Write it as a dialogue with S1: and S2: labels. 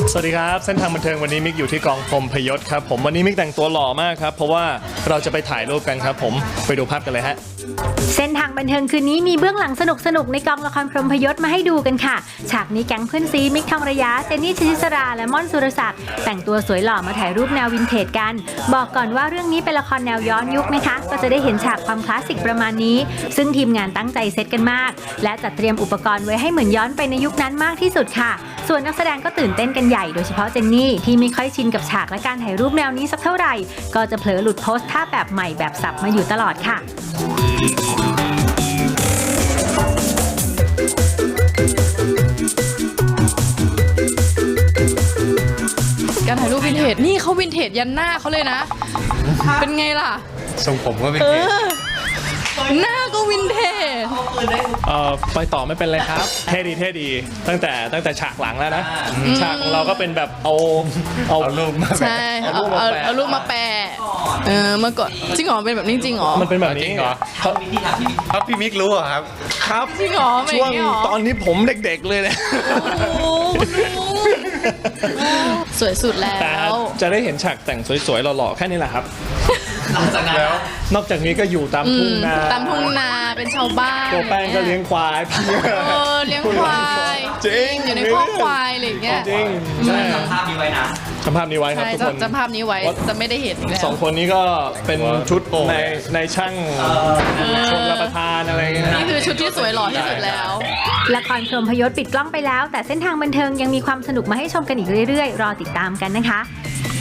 S1: สวัสดีครับเส้นทางบันเทิงวันนี้มิกอยู่ที่กองพรหมพยศครับผมวันนี้มิกแต่งตัวหล่อมากครับเพราะว่าเราจะไปถ่ายรูปกันครับผมไปดูภาพกันเลยฮะ
S2: เส้นทางบันเทิงคืนนี้มีเบื้องหลังสนุกในกองละครพรหมพยศมาให้ดูกันค่ะฉากนี้แก๊งเพื่อนซีมิกทองระยะเจนนี่ชลิสราและม่อนสุรศักดิ์แต่งตัวสวยหล่อมาถ่ายรูปแนววินเทจกันบอกก่อนว่าเรื่องนี้เป็นละครแนวย้อนยุคนะคะก็จะได้เห็นฉากความคลาสสิกประมาณนี้ซึ่งทีมงานตั้งใจเซตกันมากและจัดเตรียมอุปกรณ์ไว้ให้เหมือนย้อนไปในยุคนั้นมากที่สุดค่ะส่วนนักแสดงก็ตื่นเต้นกันใหญ่โดยเฉพาะเจนนี่ที่ไม่ค่อยชินกับฉากและการถ่ายรูปแนวนี้สักเท่าไหร่ก็จะเผลอหลุดโพสท่าแบบใหม่แบบสับมาอยู่ตลอดค่ะ
S3: การถ่ายรูปวินเทจนี่เขาวินเทจยันหน้าเขาเลยนะเป็นไงล่ะ
S4: ทรงผมก็วินเทจ
S3: หน้าก็วินเทจ
S1: ไปต่อไม่เป็นเลยครับเท่ดีตั้งแต่ฉากหลังแล้วนะฉากของเราก็เป็นแบบเอา
S4: รูปมา
S3: ใช่เอารูปมาแปะเมื่อก่อนจริงเหรอเป็นแบบนี้จริงเหรอ
S1: มันเป็นแบบนี้
S4: เหรอครับพี่มิกรู้เหรอครับ
S1: ครับ
S3: จริงเหรอ
S1: ช่วงตอนนี้ผมเด็กๆเลยนะ
S3: สวยสุดแล้ว
S1: แต่จะได้เห็นฉากแต่งสวยๆหล่อๆแค่นี้แหละครับนอกจากนี้ก็อยู่ตามทุ่งนา
S3: เป็นชาวบ้าน
S1: ตัวแป้งก็เลี้ยงควาย
S3: เลี้ยงควาย
S1: จริง
S3: อยู่ในครอบควายอะไรอย่างเงี้ย
S1: จริง
S5: ใช่จำภาพนี้ไว้นะ
S1: จำภาพนี้ไว้ครับทุกคน
S3: จำภาพนี้ไว้จะไม่ได้เห็น
S1: สองคนนี้ก็เป็นชุดในช่างชมรับประทานอะไรเงี้ย
S3: นี่คือชุดที่สวยหล่อที่สุดแล้ว
S2: ละครพรหมพยศปิดกล้องไปแล้วแต่เส้นทางบันเทิงยังมีความสนุกมาให้ชมกันอีกเรื่อยๆรอติดตามกันนะคะ